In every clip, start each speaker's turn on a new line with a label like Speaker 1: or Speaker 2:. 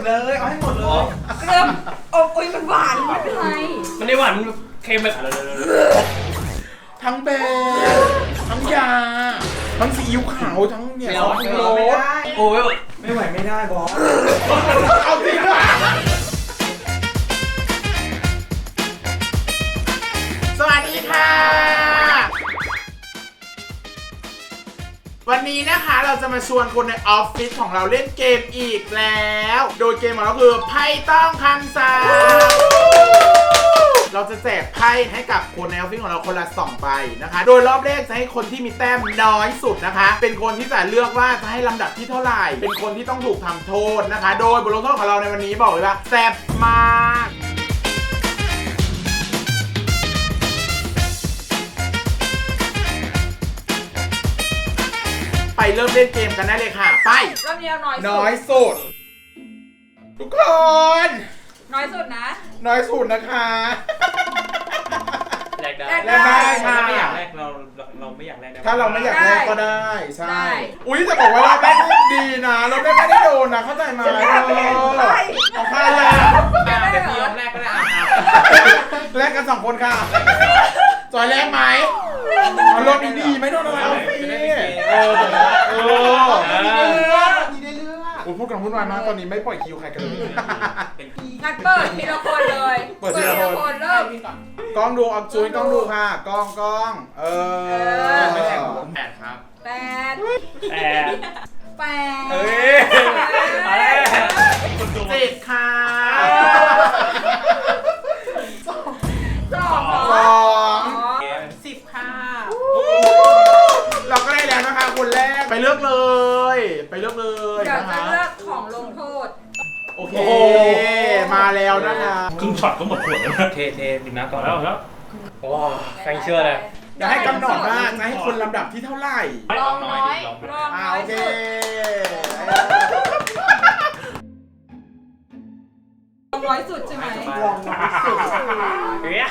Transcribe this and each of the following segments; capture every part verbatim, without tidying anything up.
Speaker 1: เลยเอาให้หมดเลย
Speaker 2: เริ่มอบอุ้ยมันหวานไม่เป็นไร
Speaker 3: มันได้หวานเค็มแบบ
Speaker 1: ทั้งแบนทั้งยาทั้งซีอิ๊วขาวทั้งเนี่ยซอสโรส
Speaker 3: โอ้ย
Speaker 1: ไม่ไหวไม่ได้บอสเอาสิสวัสดีค่ะวันนี้นะคะเราจะมาชวนคนในออฟฟิศของเราเล่นเกมอีกแล้วโดยเกมของเราคือไพ่ต้องคำสั่งเราจะแจกไพ่ให้กับคนในออฟฟิศของเราคนละสองใบนะคะโดยรอบแรกจะให้คนที่มีแต้มน้อยสุดนะคะเป็นคนที่จะเลือกว่าจะให้ลำดับที่เท่าไหร่เป็นคนที่ต้องถูกทำโทษนะคะโดยบทลงโทษของเราในวันนี้บอกเลยว่าแซ่บมากไปเริ่มเล่นเกมกันได้เลยค่ะไป
Speaker 2: รอบนี้เอาน้อยสุด
Speaker 1: น้อยสุดทุกคน
Speaker 2: น้อยสุดนะ
Speaker 1: น้อยสุดนะคะ
Speaker 3: แลกได้
Speaker 1: แลกได้ค่ะ
Speaker 3: ไม่อยากแลกเราเราไม่อยากแลก
Speaker 1: ถ้าเราไม่อยากแลกก็ได้ใช่อุ้ยจะบอกว่าเราแลกดีนะเราแลกไม่ได้โดนนะเข้าใจไหมเออเอาค่าแลก
Speaker 3: เดี๋ยวพี่ยอมแลกก็ได้
Speaker 1: แลกกันสองคนค่ะจอยแลกไหมเอารถดีๆไม่โดนอะไรเอาสิเออเออดีได้เลือกดีได้เลือกโอ้พูดกันพูดมาตอนนี้ไม่ปล่อยคิวใครกันเลย
Speaker 2: งัดเปิดทีละคนเลย
Speaker 1: เปิดทีละคน
Speaker 2: เริ่ม
Speaker 1: กล้องดูออกจุ้ยกล้องดูค่ะกล้องกล้องเออ
Speaker 3: ไม่แข่งผมแปดครับ
Speaker 2: แปด
Speaker 3: แปด
Speaker 2: แปด
Speaker 3: เฮ้ยอะไร
Speaker 1: เจ็ดค่ะ
Speaker 2: สอง
Speaker 1: สอง
Speaker 2: สิบค่ะ
Speaker 1: เราก็ได้แล้วนะคะคนแรกไปเลือกเลยไปเลือกเลย
Speaker 2: เดี๋ยวจะเลือกของลงโทษ
Speaker 1: โอเคมาแล้วนะคะ
Speaker 3: ครึ่งช็อตก็หมดขวดแล้วเทเทดื่มน้ำก่อนแล้วครับโอ้แฟงเชื่อเลย
Speaker 1: จะให้กำหนดว่าจะให้คนลำดับที่เท่าไหร่
Speaker 2: ลองน้อยลองน้อย
Speaker 1: โอเค
Speaker 2: ลองน้อยสุดใช่ไหม
Speaker 1: ลองน้อยสุด
Speaker 3: เฮ้ย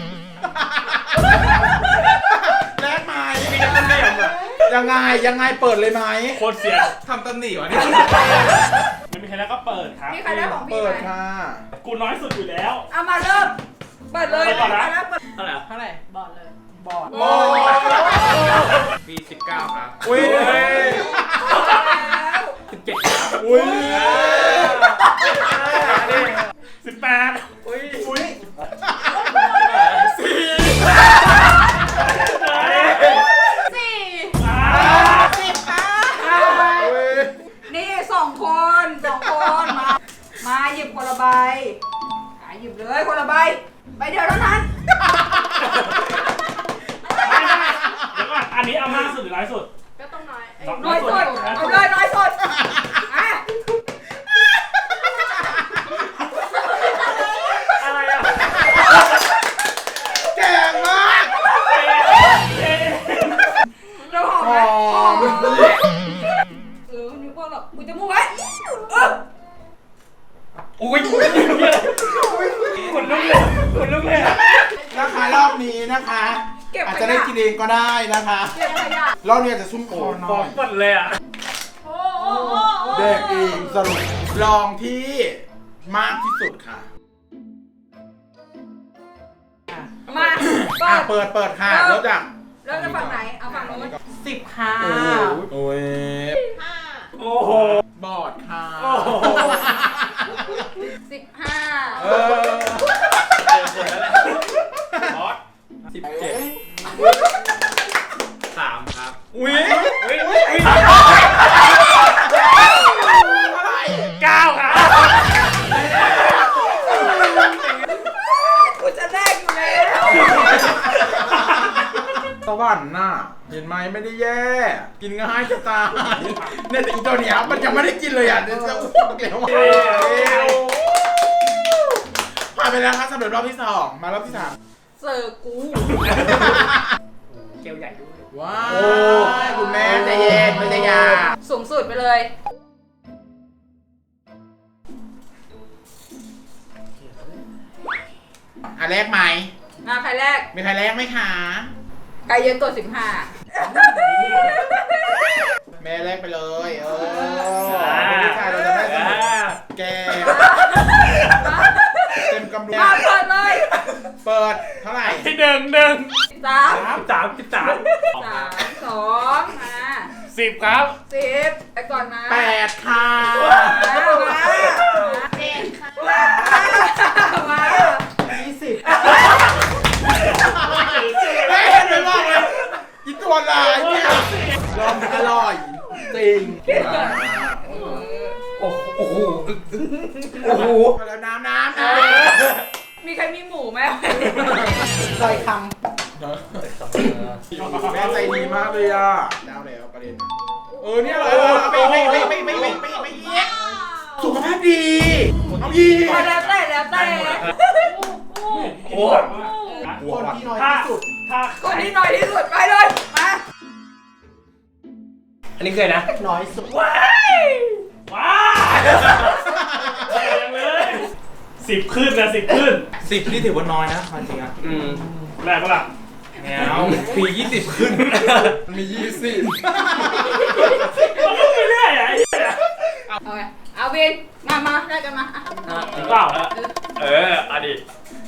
Speaker 1: แลกไหมมีแต่คนเดียวอะยังไงยังไงเปิดเลยไหม
Speaker 3: โคตรเสีย
Speaker 1: ทำตำหนิวะนี่
Speaker 3: ไม่มีใครแล้วก็เปิดครับ
Speaker 2: มีใครได้ของพี่ไหม
Speaker 1: เปิดค่ะ
Speaker 3: กูน้อยสุดอยู่แล้ว
Speaker 2: เอามาเริ่มเปิดเลย
Speaker 3: เปิดนะ
Speaker 2: เท่าไหร่
Speaker 3: เท่าไหร่
Speaker 2: บอดเลย
Speaker 1: บอด
Speaker 2: บอ
Speaker 3: ดมีสิบเก้าครับ
Speaker 1: อุ้ย
Speaker 3: สิบเจ็ดครับ
Speaker 1: อุ้ย
Speaker 3: สิบแปด
Speaker 1: อุ้ยอุ้ยสี่
Speaker 2: สี่สิบค่ะนี่สองคนสองคนมามาหยิบคนละใบหยิบเลยคนละใบใบเดียวเท่านั้น
Speaker 3: เดี๋ยวก่อนอันนี้เอามากสุดหรือน้อยสุด
Speaker 2: ก็ต้องน้อยน้อยสุดเอาเลยน้อยสุดอ่ะ
Speaker 3: อะไรอ่ะ
Speaker 1: แก่มาก
Speaker 2: เราหอมไหมหอมเออนึกว่าแบบกูจะมูกไว้เออ
Speaker 3: อุ้ยคุณลุกเลยคุณลุกเลย
Speaker 1: นะคะรอบนี้นะคะอาจจะได้กินเองก็ได้นะคะรอบนี้จะซุ่มคอหน่อย
Speaker 3: หมดเลยอ่ะ
Speaker 1: เด็กเองสรุปลองที่มากที่สุดค่ะ
Speaker 2: มา
Speaker 1: เปิดเปิดค่ะแล้วจาก
Speaker 2: เริ่มจากฝั่งไหนเอาฝั่งโน้น
Speaker 1: สิบค่ะโอ้ย
Speaker 3: โอ้โห
Speaker 1: บอดค่ะ
Speaker 2: สิบห้า
Speaker 1: เออ
Speaker 3: บอสสิบเจ็ดสามครับ
Speaker 1: อุ้ย
Speaker 3: อุ้ยอุ้ยเก้าครับ
Speaker 2: กูจะแลกอยู่แล้ว
Speaker 1: สวรรค์น่ะเห็นไหมไม่ได้แย่กินง่ายจะตายเนี่ยแต่อีตัวเนี้ยมันยังไม่ได้กินเลยอ่ะเดี๋ยวจะอ้วกแล้วผ่านไปแล้วครับสำหรับรอบที่สองมารอบที่สาม
Speaker 2: เสิร์ฟกู
Speaker 3: เกลียวใหญ่ด้วย
Speaker 1: ว้าวคุณแม่ใจเย็นไม่ใจยา
Speaker 2: สูงสุดไปเลย
Speaker 1: อ่ะแรกไหม
Speaker 2: มาใครแรก
Speaker 1: มีใครแรกไหมคะ
Speaker 2: ใครเยอะตัวสิบห้า
Speaker 1: แม่แรกไปเลยเออผู้ชายเราจะได้สนุกแกเปิดเท่าไหร่
Speaker 3: หนึ่งหนึ่ง
Speaker 2: สาม
Speaker 3: สามสิบสาม
Speaker 2: สามสองมา
Speaker 3: สิบครับ
Speaker 2: สิบไปก่อนมา
Speaker 1: แปดค่ะ
Speaker 2: มามาเจ็ดค่ะมามา
Speaker 1: ยี่สิบเฮ้ยเดี๋ยวบอกเลยอีตัวลายเนี่ยลองอร่อยจริง
Speaker 3: โอ้โหโอ้โห
Speaker 1: แล้วน้ำน้ำน้
Speaker 2: มีใครมีหมูไหม
Speaker 1: ำซอยคำแม่ใจดีมากเลยอ่ะแล้วแล้วประเด็นเออเนี่ยอร่อยอร่อยไม่ไม่ไม่ไม่ไม่ไม่ไม่ไม่เยี่ยสุขภาพดีเอายี
Speaker 2: แล้วแต่แล้วแต่
Speaker 3: โอ้โห
Speaker 1: คนที่น้อยที่สุด
Speaker 3: ถ้า
Speaker 2: คนที่น้อยที่สุดไปเลยมา
Speaker 3: อันนี้เคยนะ
Speaker 1: น้อยสุด
Speaker 3: ว้ายว้ายยังเลยสิบขึ้นนะสิบขึ้น
Speaker 1: สิบนี่ถือว่าน้อยนะจริงอ่ะ
Speaker 3: อืมแรงปะล่ะ
Speaker 1: แมวปียี่สิบขึ้นมียี่สิบ
Speaker 3: มันก็ไม่ได้อะไอ้เหี้ย
Speaker 2: เอาไงเอาวินมามาได้กันมาอ่ะ
Speaker 3: หรือเปล่าเออเอาดิ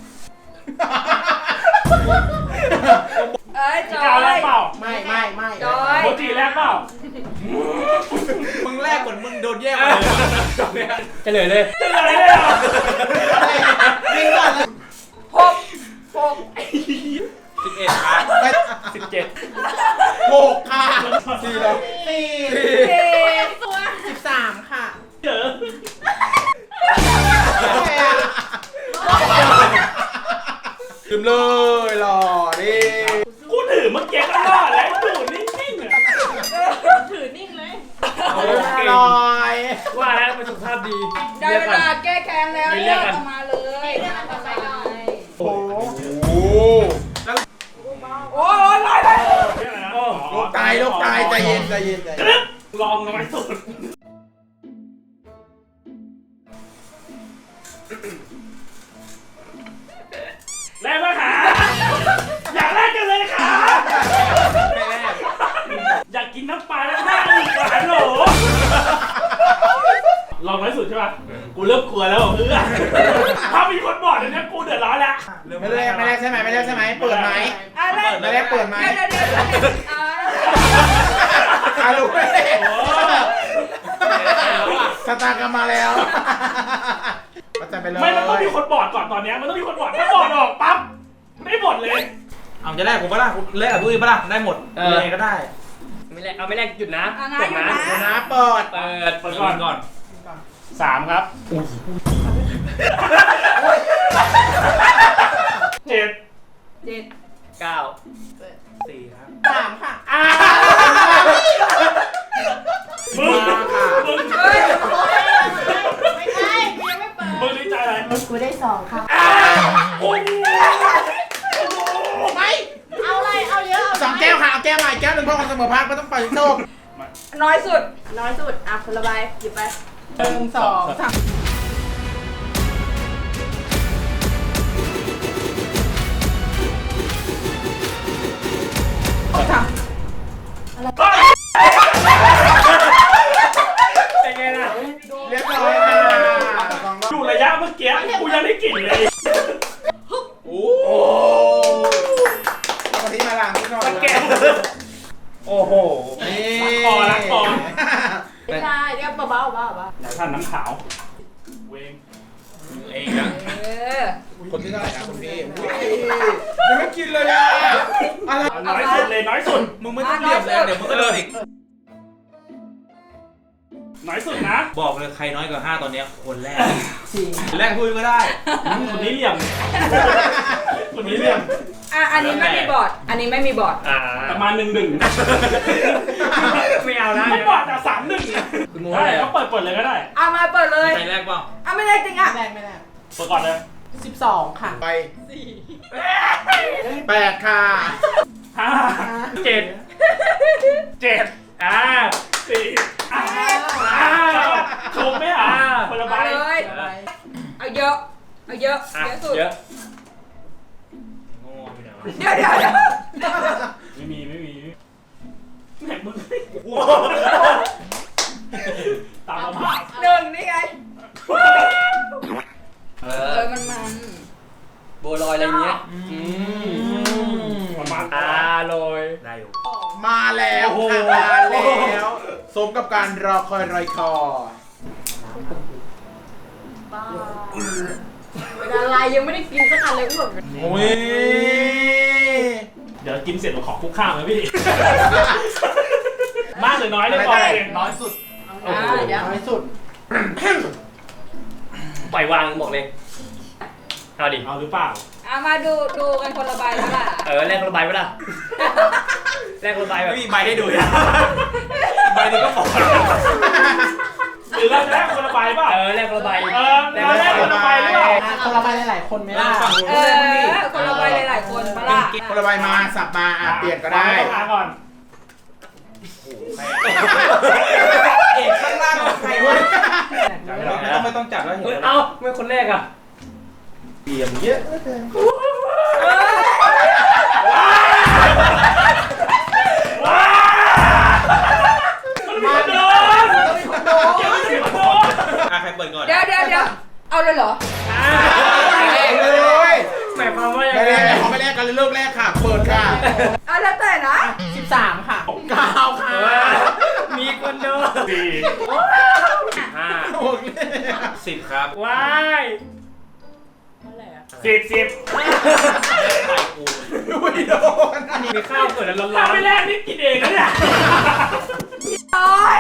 Speaker 2: เอ้ยจอ
Speaker 3: กาวแร
Speaker 2: ย
Speaker 3: กเปล่า
Speaker 1: ไม่ไม่ไม่
Speaker 2: จอย
Speaker 3: โมจิแรกเปล่า
Speaker 1: มึงแรกเหมือนมึงโดนแย่งมา
Speaker 3: จะเลยเลยจะเลยเลยอ่ะ
Speaker 1: ยิงก่อนเลย
Speaker 2: หกหก
Speaker 3: สิบเอ็ดครับสิบเจ็ด
Speaker 1: หกค่ะสี่แล้วสี่
Speaker 2: สี่
Speaker 1: สิบสามค่ะ
Speaker 3: เจอ
Speaker 1: ลืมเลยหล่อดิ
Speaker 3: กูถือเมื่อกี้ก็รอดแล้วดูนิ่งๆอ่ะ
Speaker 2: ถือนิ่งเลย
Speaker 1: เอาอร่อย
Speaker 3: ว่าแล้วมันสุขภาพดี
Speaker 2: ได้เวลาแก้แค้นแล้วเรียกออกมาเลยเรียกออกมาเลย
Speaker 1: โอ้โห
Speaker 2: โอ้ยไปไป
Speaker 1: ลูกตายลูกตายใจเย็นใจเย็นใจเย็น
Speaker 3: ลองน้อยสุดแรกมาขาอยากแรกกันเลยขาอยากกินน้ำปลาแล้วหน้าอีกหวานโหลลองน้อยสุดใช่ป่ะกูเริ่มกลัวแล้วเพื่อนถ้ามีคนบอกเนี่ยกูเดือดร้อนแล้ว
Speaker 1: ไม่แรกไม่แรกใช่ไหมไม่แรกใช่ไหมเปิดไหม
Speaker 2: อะไร
Speaker 1: ไม่แรกเปิดไหม
Speaker 2: เดี๋ยวเดี๋ยวเดี๋ยวเอา
Speaker 1: อาลูกสตาร์กมาแล้วมาจัดไปเลย
Speaker 3: ไม่มันต้องมีคนบอดก่อนตอนนี้มันต้องมีคนบอดถ้าบอดออกปั๊บไม่บอดเลย
Speaker 4: เอาจะแรกผมปะล่ะแรกกับตุ้ยปะล่ะได้หมดยังไงก็ได้
Speaker 3: ไม่แรกเอาไม่แรกหยุดนะ
Speaker 2: เอานะอยู่นะ
Speaker 1: เดี๋ยวนะเปิด
Speaker 3: เปิดเปิดก่อนก่อนสามครับเจ็ด
Speaker 2: เจ็ด
Speaker 3: เก้า
Speaker 4: สี่ครับ
Speaker 1: สามค่ะ
Speaker 3: อ่ามึงมึง
Speaker 2: เฮ้ย
Speaker 5: ไม่ใช่กูยังไม่เปิด
Speaker 3: มึงดีใจอะไร
Speaker 5: กูได้สองครับ
Speaker 3: อ่าโอ้ย
Speaker 1: ไม่
Speaker 5: เอาอะไร เอาเยอะ
Speaker 1: สองแก้วค่ะเอาแก้วใหม่แก้วหนึ่งเพื่อความเสมอภาคไม่ต้องปล่อยโชค
Speaker 2: น้อยสุด
Speaker 5: น้อยสุด อ่ะคนละใบหยิบไป
Speaker 1: หนึ่งสองสาม
Speaker 3: เป็นไงล่ะ
Speaker 1: เรียบร้อยค่ะสองรอบ
Speaker 3: ดูระยะเมื่อกี้กูยังได้กลิ่นเลย
Speaker 1: โอ้เอามาที่มาหลังนิดหน่อย
Speaker 3: แกโอ้โห
Speaker 1: นี่
Speaker 3: รักคอรักคอ
Speaker 5: ไม่ได้เรียกเบาๆเบาๆเบา
Speaker 3: ท่านน้ำขาวเวง
Speaker 4: เองนะ
Speaker 2: เออ
Speaker 1: คนที่เท่าไหร่นะคุณพี่อุ้ยยังไม่กินเลยอ่ะอะไร
Speaker 3: น้อยสุดเลยน้อยสุด
Speaker 4: มึงไม่ต้องเรียบแล้วเดี๋ยวมึงก็โดนอีก
Speaker 3: น้อยสุดนะ
Speaker 4: บอกเลยใครน้อยกว่าห้าตอนเนี้ยคนแรกแรกตุ้ยก็ได้
Speaker 3: คนนี้เหลี่ยมคนนี้เหลี่ยม
Speaker 2: อ่ะอันนี้ไม่มีบอร์ดอันนี้ไม่มีบอร์ด
Speaker 3: ประมาณหนึ่งหนึ่ง
Speaker 4: ไม่เอานะ
Speaker 3: ไม่บอดแต่สามหนึ่งได้ก็เปิดเปิดเลยก็ได้
Speaker 2: เอามาเปิดเลย
Speaker 4: ใครแรกเปล่า
Speaker 2: เอาไม่ได้จริงอ่ะ
Speaker 5: แบ่งไม่ได้
Speaker 3: เปิดก่อนเลย
Speaker 5: สิบสองค่ะ
Speaker 1: ไปแปดค่ะ
Speaker 3: ห้าเจ็ดเจ็ดอ่าสี่อ่าอ่าถูกไหมอ่ะคนละใบ
Speaker 2: เอาเลยเอาเยอะเอาเยอะเยอะสุด
Speaker 3: เยอะ
Speaker 4: โง่อยู่ไหนวะ
Speaker 2: เดี๋ยวเดี๋ยวเดี๋ยว
Speaker 3: ไม่มีไม่มีแหมมึงตามมา
Speaker 2: หนึ่งนี่ไง
Speaker 3: เอ
Speaker 2: เอ
Speaker 3: อ
Speaker 2: อมันมัน
Speaker 3: บัวลอยอะไรเงี้ย
Speaker 1: อืสมกับการรอคอยรอยคอ
Speaker 5: บ้าเป็นอะไรยังไม่ได้กินสักอันเลยอ้วก
Speaker 1: โอ้ย
Speaker 3: เดี๋ยวกินเสร็จเราขอคุกข้าวนะพี่ มากหรือน้อยเลยก่อนเอง
Speaker 4: น้อยสุด
Speaker 5: อ่าเดี๋ยว
Speaker 1: น้อยสุด
Speaker 6: ปล่อยวางบอกเลย เอาดิ
Speaker 3: เอาหรือเปล่า
Speaker 2: เอามาดูดูกันคนละใบแล้วล่ะ
Speaker 6: เออแลกระบายไว้ละแลกระบายแบบ
Speaker 4: ไม่มีใบให้ดูอ่ะใบนี้ก็ฟอด
Speaker 3: หรือเราจะแลกคนละใบเปล่า
Speaker 6: เออแลกระบาย
Speaker 3: เออเราแลกคนละใบหรือเปล่า
Speaker 5: คนละใบหลายๆคนไหมล่ะ
Speaker 4: ฝั่งนู้น
Speaker 2: เอ
Speaker 4: ด้วยมั้งดิ
Speaker 2: อคนละใบหลายๆคนมาล่ะ
Speaker 1: คนละใบมาสับมาอ่ะเปลี่ยนก็ได้
Speaker 3: วางว้ก่อน
Speaker 4: เอกข้างล่างของใครวะไม่ต้องไม่ต้องจับแล้วเห็
Speaker 6: เฮ้ย
Speaker 4: น
Speaker 6: เอ้าไม่คนแรกอ่ะ
Speaker 4: เตรียมเยอะ
Speaker 3: ว้าวมันมีคนโดนยังไม่มีคนโดน
Speaker 4: อ่ะใครเปิดก่อน
Speaker 2: เดี๋ยวเดี๋ยวเดี๋ยวเอาเลยเหรอ
Speaker 1: แรกเลย
Speaker 6: หมายความว่ายัง
Speaker 1: ไม่
Speaker 6: ไง
Speaker 1: แรกเขาไม่แรกกันเลยเลิกแรกค่ะ เปิดค่ะ
Speaker 2: เอาแล้วแต่นะ
Speaker 5: สิบสามค่ะ
Speaker 1: เก้าค่ะ
Speaker 6: มีคนโดน
Speaker 3: สี่
Speaker 6: ห้า
Speaker 1: โอเค
Speaker 4: สิบครับ
Speaker 6: ว้าย
Speaker 3: สิบสิบ
Speaker 4: ใบกู
Speaker 1: ไม่โดน
Speaker 6: มีข้าวเปิดแล้วร้อ
Speaker 3: ถ้าน ไม่แลกนี่กินเองนะเนี่ย
Speaker 2: โอ้ย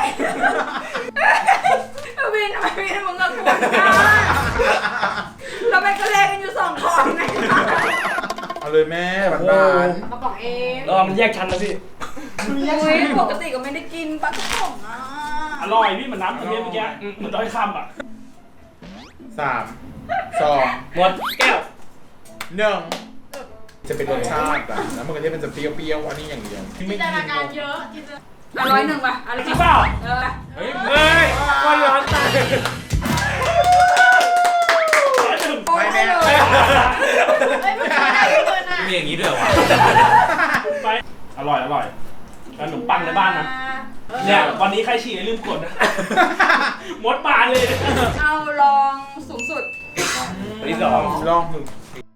Speaker 2: วินทำไมวินมึงกับกูอ่ะเราไปก็แลกกันอยู่สองคนไง
Speaker 1: เอาเลยแม่หวาน
Speaker 5: กระป๋องเอง
Speaker 6: รอมันแยกชั้นนะพี่
Speaker 2: อุ้ยปกติก็ไม่ได้กินปลากระป๋องอ่ะ
Speaker 3: อร่อยพี่เหมือนน้ำกะทิเมื่อกี้เหมือนด้อยคำอ่ะ
Speaker 1: ๆสามสอง
Speaker 6: หมดแก้ว
Speaker 1: หนึ่งจะเป็นรสชาติอะแล้วมันก็จะเป็นจะเปรี้ยวๆอันนี้อย่างเดียว
Speaker 5: จินตนาการเยอะจินตนา
Speaker 2: เอาร้อยหนึ่งป่ะเอาเลย
Speaker 3: จริงเปล่า
Speaker 2: เออ
Speaker 6: เฮ้ยเฮ้ยคนร้อนตาย
Speaker 3: ร้อยหนึ่ง
Speaker 2: โอนให้เลย
Speaker 5: เฮ้ยมันไม่ได้เกินอ่ะ
Speaker 4: มีอย่างนี้ด้วยเหรอวะ
Speaker 3: ไปอร่อยอร่อยขนมปังในบ้านนะเนี่ยวันนี้ใครฉี่ลืมกดนะมดปานเลย
Speaker 2: เอาลองสูงสุด
Speaker 6: ที่สอง
Speaker 1: ลองถึง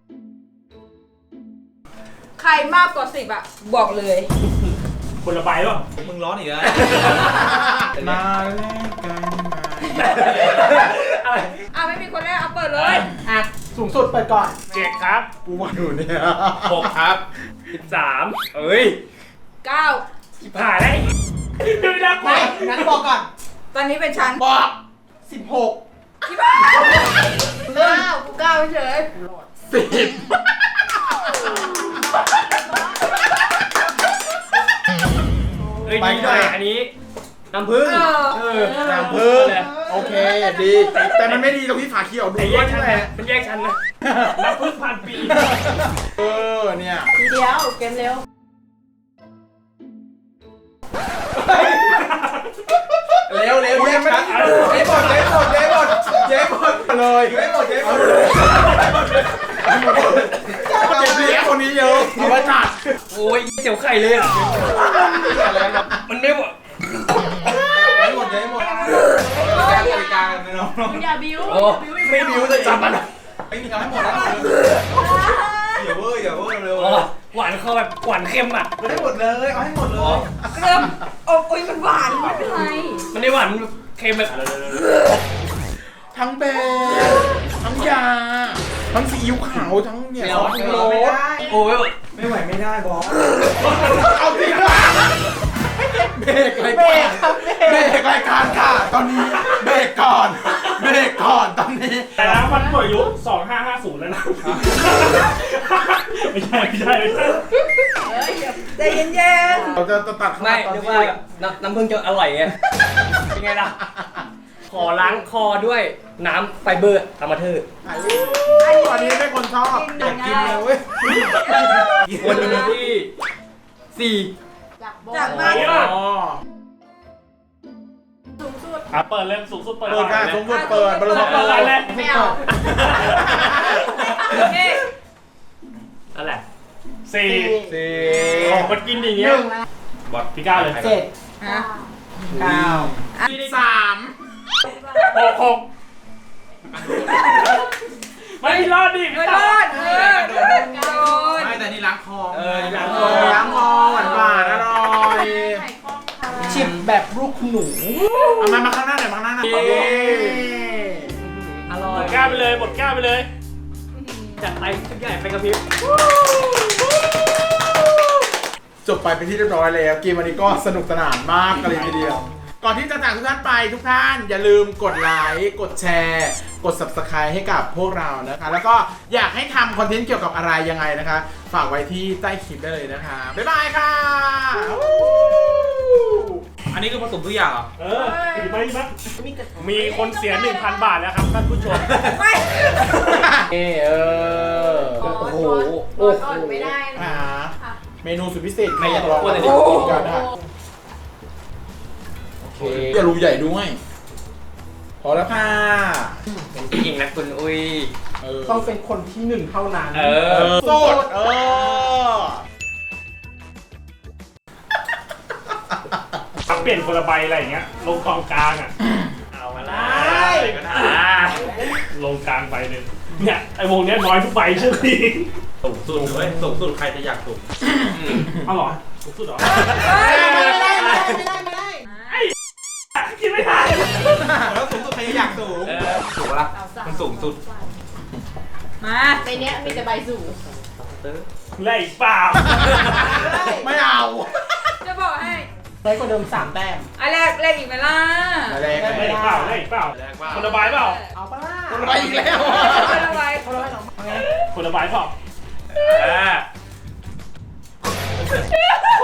Speaker 2: ใครมากกว่าสิบอ่ะ บอกเลย
Speaker 3: คนละใบป่ะ
Speaker 4: มึงร้อนอีกแล้ว
Speaker 1: มาแลกกันมา
Speaker 6: อะไร
Speaker 2: อ่ะไม่มีคนแรกเอาเปิดเลย
Speaker 5: อ่ะ สูงสุดเปิดก่อน
Speaker 3: เจ็ดครับ
Speaker 1: กูมาอยู่เนี่ย
Speaker 4: หกครับ
Speaker 6: สิบสามเอ้ย
Speaker 2: เก้า
Speaker 6: ชิบหายแล้ว
Speaker 3: ดูนะกู
Speaker 5: ไม่งั้นบอกก่อน
Speaker 2: ตอนนี้เป็นชั้น
Speaker 1: บอกสิบหก
Speaker 2: ที่บ้าน
Speaker 5: เก้ากูเก้าเฉย
Speaker 1: สิบ
Speaker 6: เอ้ยดีหน่อยอันนี้น้ำผึ้ง
Speaker 2: เออ
Speaker 6: เออ
Speaker 1: น้ำพึ่งโอเคดี แต่มันไม่ดีตรงที่ฝาเขียวดู
Speaker 6: แต่แย
Speaker 1: ด้วย
Speaker 6: กชั้น
Speaker 1: แห
Speaker 6: นะ
Speaker 1: ละ
Speaker 6: มันแยกชั้นนะ
Speaker 3: น้ำพึ่งพันปี
Speaker 1: เออเนี่ย
Speaker 5: ทีเดียวเกมเร็ว
Speaker 1: เร็วเร็วเย้ไม่ได้เย้หมดเย้หมดเย้หมดเย้หมดเลยเย้หมดเย้หมดเลยเก็บเลี้ยงคนนี้เยอะเอาไว้จัด
Speaker 6: โอ้ยเจียวไข่เลยอ่ะมันไม่หมด
Speaker 1: เย้หมดเย้หมด
Speaker 4: แจ้งกติกากันไหมน้อง
Speaker 5: มึงอย่าบิ้ว
Speaker 6: โอ้ไม่บิวจะจับมัน
Speaker 4: ไม่มีทำให้หมดแล้วอย่าเวอร์อย่าเวอร์เร็ว
Speaker 6: อ๋อหวานคอแบบหวานเค็มอ่ะ
Speaker 4: ให้หมดเลยเอาให้หมดเลย
Speaker 2: เริ่มโอ้ยมันหวานไม่เป็นไร
Speaker 6: มันได้หวานเค็มแบบ
Speaker 1: ทั้งเบลทั้งยาทั้งซีอิ๊วขาวทั้งเนี่ยซอสโรส
Speaker 6: โอ้ย
Speaker 4: ไม่ไหวไม่ได้บอส
Speaker 1: เอาจริงว่ะเบรกรายการเบรกรายการค่ะ ตอนนี้เบรกก่อนเบรกก่อนตอนนี้
Speaker 3: แต่แล้วมันหมดอายุสองห้าห้าศูนย์แล้วนะไม่ใช่ไม่ใช่ไม่ใช่
Speaker 5: เฮ้ยเดี๋ยว
Speaker 2: ใจเย็น
Speaker 1: เราจะตัด
Speaker 6: ไม่
Speaker 1: ตอน
Speaker 6: เรียก
Speaker 1: ที่
Speaker 6: ว่าน้ำน้ำผึ้งจะอร่อยไงเป็นไงล่ะ ขอล้างคอด้วยน้ำไฟเบอร์ธรรมเทอร์
Speaker 1: ตอนนี้เป็นคนชอบอยากกินเลยเว้ย
Speaker 6: วันที่สี่
Speaker 5: จากโบ
Speaker 2: ๆจากมาก
Speaker 1: อ๋อ
Speaker 5: สูงสุด
Speaker 3: อ่ะเปิดเล่มสูงสุดเปิด
Speaker 1: เปิดค่ะสมมติเปิดบริษัท
Speaker 3: เปิ
Speaker 1: เปิ
Speaker 3: ด
Speaker 1: ด
Speaker 3: อะไรเลย
Speaker 5: ไม่เอา
Speaker 2: นี่
Speaker 6: นั่นแหละ
Speaker 3: สี่
Speaker 1: สี่
Speaker 3: ของมันกินอย่าง
Speaker 5: ห
Speaker 3: เงี้ย
Speaker 5: นึ่งนะ
Speaker 3: บอดพี่ก้าวเลย
Speaker 5: เจ็ด
Speaker 2: ฮะ
Speaker 5: เก้า
Speaker 1: สาม
Speaker 3: หกหกไม่รอดดิ
Speaker 2: ไม่
Speaker 3: พี่
Speaker 2: ร
Speaker 3: ก้าว
Speaker 2: อดเออโดนโดน
Speaker 4: ไม่แต่นี่ล้างคอ
Speaker 6: เออ
Speaker 1: ล้างคอล้างคอหวานหวานอร่อย
Speaker 5: ไข่ข้องค่ะชิมแบบลูกค
Speaker 4: คุณหนู
Speaker 1: เอามามาข้างหน้าหน่อยมาข้างหน้าหน่อย
Speaker 6: อร่อ
Speaker 3: หม
Speaker 6: ย
Speaker 3: ดแก้วไปเลยหมดแก้วไปเลย
Speaker 6: จัดไปชุดใหญ่ไปกระพริบ
Speaker 1: จบไปเป็นที่เรียบร้อยแล้วเกมวันนี้ก็สนุกสนานมากกันเลยทีเดียว ก่อนที่จะจากทุกท่านไปทุกท่านอย่าลืมกดไลค์กดแชร์ กด ซับสไครบ์ ให้กับพวกเรานะคะ แล้วก็อยากให้ทำคอนเทนต์เกี่ยวกับอะไรยังไงนะคะ ฝากไว้ที่ใต้คลิปได้เลยนะคะ บ๊ายบายค่ะ
Speaker 4: อันนี้คือผสมทุกอย่างเหรอ
Speaker 3: เออดีไหมดีไหมมีคนเสีย หนึ่งพัน บาทแล้วครับท่านผู้ชม
Speaker 2: ไม่
Speaker 1: เออเออ
Speaker 5: โอ้โหโอ้โหอ่อนไม่ได้นะ
Speaker 1: อ่า
Speaker 5: ค่ะ
Speaker 1: เมนูสุดพิเศษ
Speaker 6: ไม่อยาก
Speaker 1: ลอง
Speaker 6: พูดเลย
Speaker 1: กินกันนะโอเคอย่ารูใหญ่ด้วยพอแล้วค่ะ
Speaker 6: เป็นผู้หญิงนะคุณอุ้ย
Speaker 1: เออ
Speaker 4: ต้องเป็นคนที่หนึ่งเท่านั้น
Speaker 6: เอ
Speaker 1: เอ
Speaker 6: อ
Speaker 1: อโสดเออ
Speaker 3: ถ้าเปลี่ยนคนละใบอะไรอย่างเงี้ย ลงกองกลางอ่ะ เอามาได้ก็ได้ลงกลางใบหนึ่งเนี่ยไอ้วงเนี้ยน้อยทุกใบเชื่อพี่
Speaker 4: สูงสุดเว้ยสูงสุดใครจะอยากสูง
Speaker 3: เอาเหรอสูงสุดเหรอ
Speaker 1: ไม่ได้ไม่ได้ไม่ได้ไม่ได้
Speaker 3: คิดไม่ได้
Speaker 4: แล้วสูงสุดใครจะอยากสูงสูงปะล่ะมันสูงสุด
Speaker 2: มา
Speaker 5: ในเนี้ยมีแต่ใบสูง
Speaker 3: ไล่เปล่า
Speaker 1: ไม่เอา
Speaker 2: จะบอกให้
Speaker 4: ได้กว่าเดิมสามแต้ม
Speaker 2: อันแรกแรกอีกไหมล่ะ
Speaker 1: อะไร
Speaker 3: ไล่เปล่าไล่เปล่าคนละใบเปล่า
Speaker 4: เอาปะล่ะ
Speaker 1: คนไปอีกแล้ว
Speaker 2: คนละใบ
Speaker 4: คนละใบเหรอเอาไง
Speaker 3: คนละใบเปล่าคน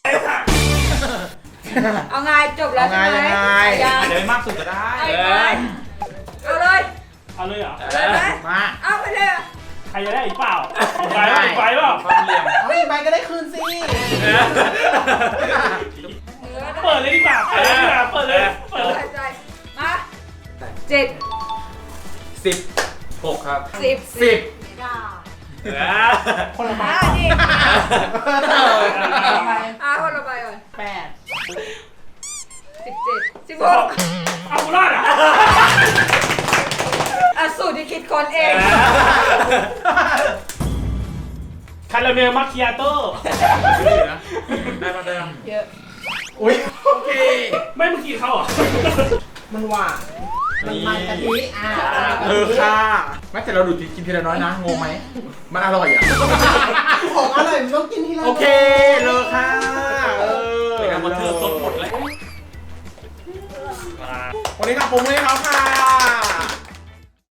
Speaker 2: เอาไงจบแล้วใช่ไหม
Speaker 1: เอาไง
Speaker 2: ยัง
Speaker 4: อาจจะไม่มากสุดก็ได้
Speaker 2: เอาอีกไหมเอาเลย
Speaker 3: เอาเลยเหรอ
Speaker 2: เลยไหม
Speaker 1: มา
Speaker 2: เอาไปเลย
Speaker 3: ใครจะได้อีกเปล่าอีกใบเปล่าอีกใบเปล่า
Speaker 4: ความเหลี่ยม
Speaker 1: เอาอีกใบก็ได้คืนสิ
Speaker 3: เปิดเลยดีกว่าเปิดเลยดีกว่าเปิดเลยเปิดเลย
Speaker 2: ใส่ใจมาเจ็ด
Speaker 6: สิบ
Speaker 4: หกครับ
Speaker 2: สิบ
Speaker 1: สิบ
Speaker 5: ด่า
Speaker 4: คนละใบ
Speaker 2: อ่ะนี่
Speaker 4: ทำไม
Speaker 2: อ่ะคนละใบก่อน
Speaker 4: แปด
Speaker 2: สิบเจ็ดสิบหก
Speaker 3: เอากูรอดอ่ะ
Speaker 2: อ่ะสูตรที่คิดคนเอง
Speaker 3: คาราเมลมัคคิอาโต้
Speaker 4: ได้มาได้มา
Speaker 2: เยอะ
Speaker 1: อุ้ยโอเค
Speaker 3: ไม่เมื่อกี้เขาอ่ะ
Speaker 4: มันหวานมันมันกะทิอ่า
Speaker 1: เออค่ะไม่แต่เราดูดกินทีละน้อยนะงงไหมมันอร่อยอ่ะ
Speaker 4: ของอร่อยมันต้องกินทีละ
Speaker 1: โอเคเลยค่ะเออ
Speaker 4: เป็นการบันเทิงสดหมดเลย
Speaker 1: วันนี้ขอบคุณเลยเขาค่ะ